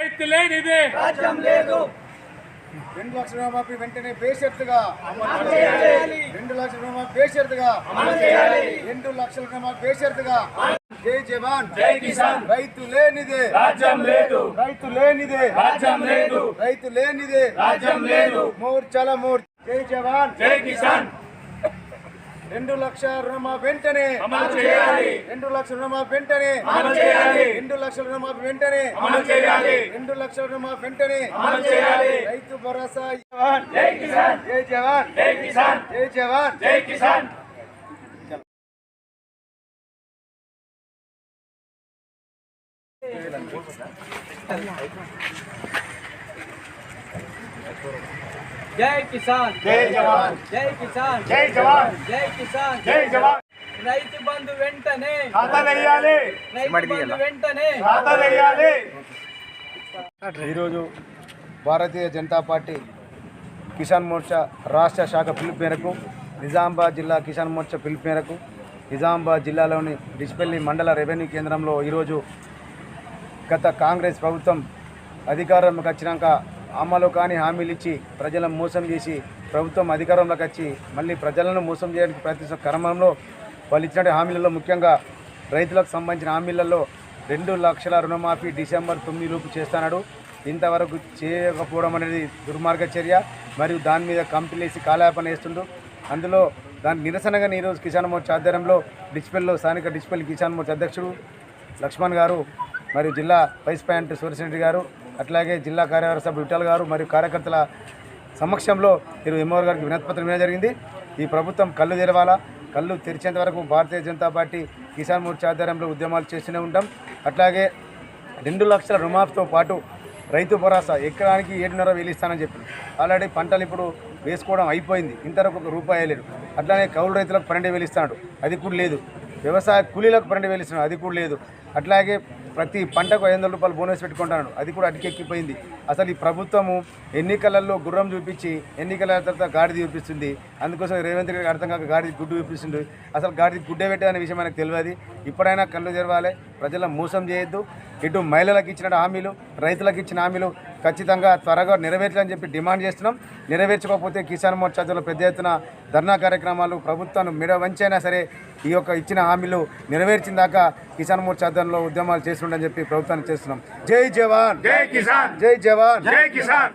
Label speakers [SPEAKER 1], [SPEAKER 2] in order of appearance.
[SPEAKER 1] రైతు లేనిదే
[SPEAKER 2] రాజ్యం లేదు.
[SPEAKER 3] 2 లక్షల రుణమాఫీ వెంటనే బేషరతుగా అమలు చేయాలి. 2 లక్షల రుణమాఫీ బేషరతుగా
[SPEAKER 2] అమలు చేయాలి.
[SPEAKER 3] 2 లక్షల రుణమాఫీ బేషరతుగా. జై జవాన్
[SPEAKER 1] జై కిసాన్.
[SPEAKER 3] రైతు లేనిదే
[SPEAKER 1] రాజ్యం లేదు.
[SPEAKER 3] రైతు లేనిదే
[SPEAKER 1] రాజ్యం లేదు.
[SPEAKER 3] రైతు లేనిదే
[SPEAKER 1] రాజ్యం లేదు.
[SPEAKER 3] మోర్చాల మోర్చా. జై జవాన్
[SPEAKER 1] జై కిసాన్.
[SPEAKER 3] 2 లక్షల రుణమాఫీ వెంటనే
[SPEAKER 1] అమలు చేయాలి.
[SPEAKER 3] 2 లక్షల రుణమాఫీ వెంటనే
[SPEAKER 1] అమలు చేయాలి.
[SPEAKER 3] 2 లక్షల రుణమాఫీ వెంటనే
[SPEAKER 1] అమలు చేయాలి.
[SPEAKER 3] 2 లక్షల రుణమాఫీ వెంటనే
[SPEAKER 1] అమలు చేయాలి.
[SPEAKER 3] రైతు భరోసా. జవాన్
[SPEAKER 1] జై కిసాన్.
[SPEAKER 3] జై జవాన్
[SPEAKER 1] జై కిసాన్.
[SPEAKER 3] జై జవాన్
[SPEAKER 1] జై కిసాన్.
[SPEAKER 2] జై కిసాన్.
[SPEAKER 3] జై జవాన్
[SPEAKER 2] జై కిసాన్.
[SPEAKER 3] జై జవాన్
[SPEAKER 2] జై కిసాన్.
[SPEAKER 3] జై జవాన్.
[SPEAKER 2] రైతు బంధు వెంటనే.
[SPEAKER 3] ఖాతా వేయాలి.
[SPEAKER 2] రైతు బంధు వెంటనే.
[SPEAKER 3] ఖాతా వేయాలి. ఈరోజు భారతీయ జనతా పార్టీ కిసాన్ మోర్చా రాష్ట్ర శాఖ పిలుపు మేరకు నిజామాబాద్ జిల్లా కిసాన్ మోర్చా పిలుపు మేరకు నిజామాబాద్ జిల్లాలోని డిచ్పల్లి మండల రెవెన్యూ కేంద్రంలో ఈరోజు గత కాంగ్రెస్ ప్రభుత్వం అధికారంలోకి వచ్చినాక అమలు కాని హామీలు ఇచ్చి ప్రజలను మోసం చేసి ప్రభుత్వం అధికారంలోకి వచ్చి మళ్ళీ ప్రజలను మోసం చేయడానికి ప్రయత్నిస్తున్న క్రమంలో వాళ్ళు ఇచ్చిన హామీలలో ముఖ్యంగా రైతులకు సంబంధించిన హామీలలో 2 లక్షల రుణమాఫీ డిసెంబర్ 9 లోపు చేస్తున్నాడు. ఇంతవరకు చేయకపోవడం అనేది దుర్మార్గ చర్య. మరియు దాని మీద కంపెనీసి కాలయాపన వేస్తుండు. అందులో దాని నిరసనగా ఈరోజు కిసాన్ మోర్చా ఆధ్వర్యంలో డిచ్పల్లిలో స్థానిక డిచ్పల్లి కిసాన్ మోర్చా అధ్యక్షుడు లక్ష్మణ్ గారు మరియు జిల్లా వైస్ ప్రెసిడెంట్ సూర్యశెట్టి గారు అట్లాగే జిల్లా కార్యవర్గ సభ్యులు విఠల్ గారు మరియు కార్యకర్తల సమక్షంలో ఈరోజు ఎంఓఆర్ గారికి వినతిపత్రం ఇవ్వడం జరిగింది. ఈ ప్రభుత్వం కళ్ళు తెరవాలా. కళ్ళు తెరిచేంత వరకు భారతీయ జనతా పార్టీ కిసాన్ మోర్చా ఆధ్వర్యంలో ఉద్యమాలు చేస్తూనే ఉంటాం. అట్లాగే 2 లక్షల రుణమాఫీతో పాటు రైతు భరోసా ఎకరానికి 7,500 ఇస్తానని చెప్పి ఆల్రెడీ పంటలు ఇప్పుడు వేసుకోవడం అయిపోయింది. ఇంతవరకు ₹1 లేదు. అట్లానే కౌలు రైతులకు 12,000 ఇస్తున్నాడు, అది కూడా లేదు. వ్యవసాయ కూలీలకు 12,000 ఇస్తున్నాడు, అది కూడా లేదు. అట్లాగే ప్రతి పంటకు ₹500 బోనస్ పెట్టుకుంటున్నాడు, అది కూడా అడికెక్కిపోయింది. అసలు ఈ ప్రభుత్వము ఎన్నికలలో గుర్రం చూపించి ఎన్నికల తర్వాత గాడిద చూపిస్తుంది. అందుకోసం రేవంత్ రెడ్డి అర్థం కాక గాడిద గుడ్డు చూపిస్తుంది. అసలు గాడిద గుడ్డే పెట్టదనే విషయం మనకు తెలియదు. ఇప్పుడైనా కళ్ళు తెరవాలి, ప్రజలను మోసం చేయొద్దు. ఇటు మహిళలకు ఇచ్చిన హామీలు, రైతులకు ఇచ్చిన హామీలు ఖచ్చితంగా త్వరగా నెరవేర్చాలని చెప్పి డిమాండ్ చేస్తున్నాం. నెరవేర్చకపోతే కిసాన్ మోర్చాలో పెద్ద ఎత్తున ధర్నా కార్యక్రమాలు ప్రభుత్వాన్ని మెడ వంచైనా సరే ఈ యొక్క ఇచ్చిన హామీలు నెరవేర్చిన దాకా కిసాన్ మోర్చా ఆధ్వర్యంలో ఉద్యమాలు చేస్తుండని చెప్పి ప్రభుత్వాన్ని చేస్తున్నాం. జై జవాన్
[SPEAKER 1] జై కిసాన్.
[SPEAKER 3] జై జవాన్
[SPEAKER 1] జై కిసాన్.